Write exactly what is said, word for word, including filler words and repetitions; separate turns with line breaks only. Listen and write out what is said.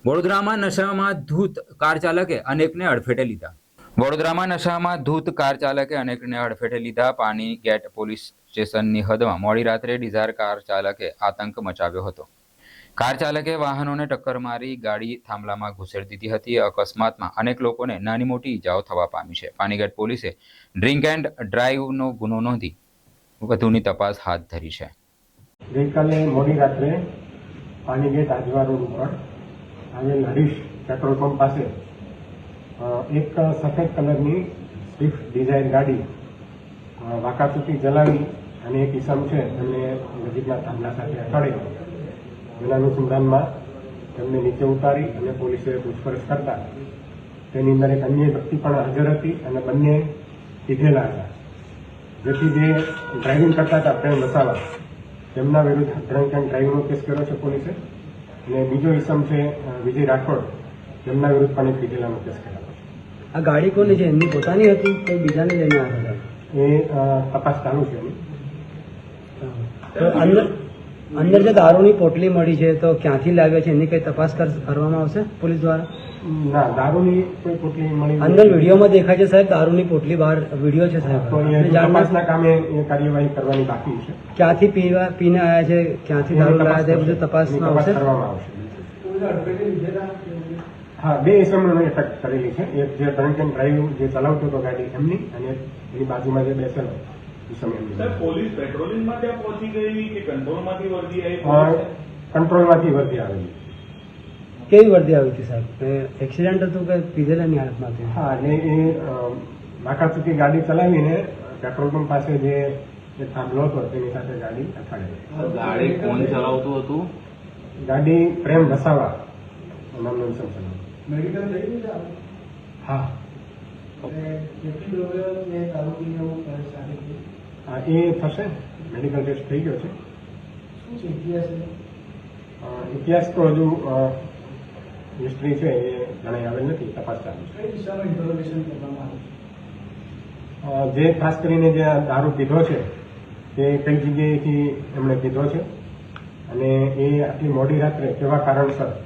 વડોદરામાં નશામાં ધૂત કાર ચાલકે અનેકને અડફેટે લીધા વડોદરામાં નશામાં ધૂત કાર ચાલકે અનેકને અડફેટે લીધા પાણી ગેટ પોલીસ સ્ટેશનની હદમાં મોડી રાત્રે ડિઝાયર કાર ચાલકે આતંક મચાવ્યો હતો. કાર ચાલકે વાહનોને ટક્કર મારી ગાડી થાંભલામાં ઘુસેડી દીધી હતી. અકસ્માતમાં અનેક લોકોને નાની મોટી ઈજાઓ થવા પામી છે. પાણીગેટ પોલીસે ડ્રિંક એન્ડ ડ્રાઈવનો ગુનો નોંધી વધુની તપાસ હાથ ધરી છે.
ગઈકાલે મોડી રાત્રે પાણીગેટ આજવા રોડ ઉપર આવેલ હરીશ પેટ્રોલ પંપ પાસે એક સફેદ કલરની સ્વિફ્ટ ડિઝાયર ગાડી વાંકાચૂકી ચલાવી અને એક ઈસમ છે એમને નજીકના થાંભલા સાથે અથડાઈ. જેના અનુસંધાનમાં તેમને નીચે ઉતારી અને પોલીસે પૂછપરછ કરતા તેની અંદર એક અન્ય વ્યક્તિ પણ હાજર હતી અને બંને પીધેલા હતા. જેથી જે ડ્રાઇવિંગ કરતા હતા પ્રેમ વસાવા તેમના વિરુદ્ધ ડ્રંક એન્ડ ડ્રાઇવિંગનો કેસ કર્યો છે પોલીસે. અને બીજો ઈસમ છે વિજય રાઠોડ, તેમના વિરુદ્ધ પણ એક પીધેલાનો કેસ કર્યો છે.
આ ગાડી કોની છે? એમની પોતાની હતી કોઈ બીજાને લઈને આવ્યા હતા?
એ તપાસ ચાલુ છે એની.
તો અંદર અંદર જે દારૂની પોટલી મળી છે તો ક્યાંથી લાવ્યા છે એની કઈ તપાસ કરવામાં આવશે પોલીસ દ્વારા?
ના, દારૂની કોઈ પોટલી મળી
અંદર વિડીયોમાં દેખાય છે સાહેબ, દારૂની પોટલી બહાર વિડીયો છે સાહેબ.
તો એ તપાસના કામે એ કાર્યવાહી કરવાની બાકી છે.
ક્યાંથી પીવા પીને આવ્યા છે, ક્યાંથી દારૂ લાવ્યા છે, બધું તપાસમાં આવશે.
કરવામાં આવશે. હા, બે ઇસમોને અટક કરેલી છે. એક જે ડ્રંક એન્ડ ડ્રાઈવ જે ચલાવતો હતો ગાડી એમની, અને એની બાજુમાં જે બેસેલો ઇસમ એમની.
પોલીસ પેટ્રોલિંગમાં ત્યાં પહોંચી ગઈ કે કંટ્રોલમાંથી વર્દી આવી?
કંટ્રોલમાંથી વર્દી આવેલી.
કેવી વર્દી આવી હતી સાહેબ? એક્સિડન્ટ હતું કે પીધેલાની હાલતમાં હતી?
હા, એટલે એ વાંકાચૂકી ગાડી ચલાવીને પેટ્રોલ પંપ પાસે જે થાંભલો હતો તેની સાથે ગાડી અથડાઈ.
ગાડી કોણ ચલાવતું હતું?
ગાડી પ્રેમ વસાવા નામનો ઇસમ ચલાવતો.
મેડિકલ થઈ ગયું છે?
હા, હા, એ થશે. મેડિકલ ટેસ્ટ થઈ ગયો છે. ઇતિહાસ તો હજુ હિસ્ટ્રી છે એ જણાઈ આવેલ નથી. તપાસ ચાલુ છે. જે ખાસ કરીને જે દારૂ પીધો છે તે કઈ જગ્યાએથી એમણે પીધો છે અને એ આટલી મોડી રાત્રે કેવા કારણસર